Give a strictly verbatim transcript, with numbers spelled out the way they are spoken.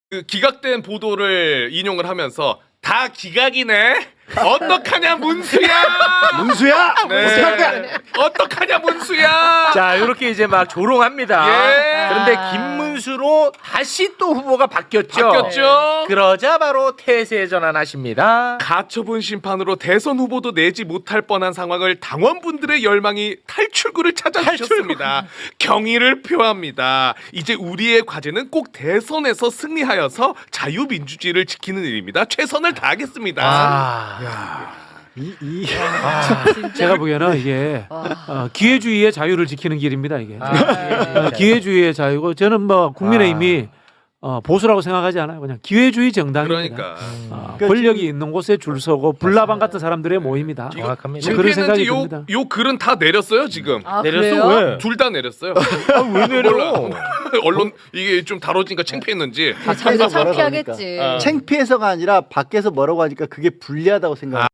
그 기각된 보도를 인용을 하면서 다 기각이네. 어떡하냐 문수야. 문수야. 네. 어떡할까? 어떡하냐 문수야. 자, 이렇게 이제 막 조롱합니다. 예. 그런데 김문수로 다시 또 후보가 바뀌었죠. 바뀌었죠. 그러자 바로 태세 전환하십니다. 가처분 심판으로 대선 후보도 내지 못할 뻔한 상황을 당원분들의 열망이 탈출구를 찾아주셨습니다. 경의를 표합니다. 이제 우리의 과제는 꼭 대선에서 승리하여서 자유민주주의를 지키는 일입니다. 최선을 다하겠습니다. 아, 이, 이. 제가 보기에는 이게 어, 기회주의의 자유를 지키는 길입니다. 이게 어, 기회주의의 자유고 저는 뭐 국민의힘이 어, 보수라고 생각하지 않아요. 그냥 기회주의 정당입니다. 그러니까 어, 권력이 있는 곳에 줄 서고 불나방 같은 사람들의 모임이다. 정확합니다. 뭐 그런 생각이 창피했는지 듭니다. 요, 요 글은 다 내렸어요 지금. 아, 내렸어? 그래요? 왜? 둘 다 내렸어요. 아, 왜 내려? 몰라. 언론 이게 좀 다뤄지니까 창피했는지. 자기가 뭐라고 창피하겠지. 하니까. 창피해서가 아니라 밖에서 뭐라고 하니까 그게 불리하다고 생각해요.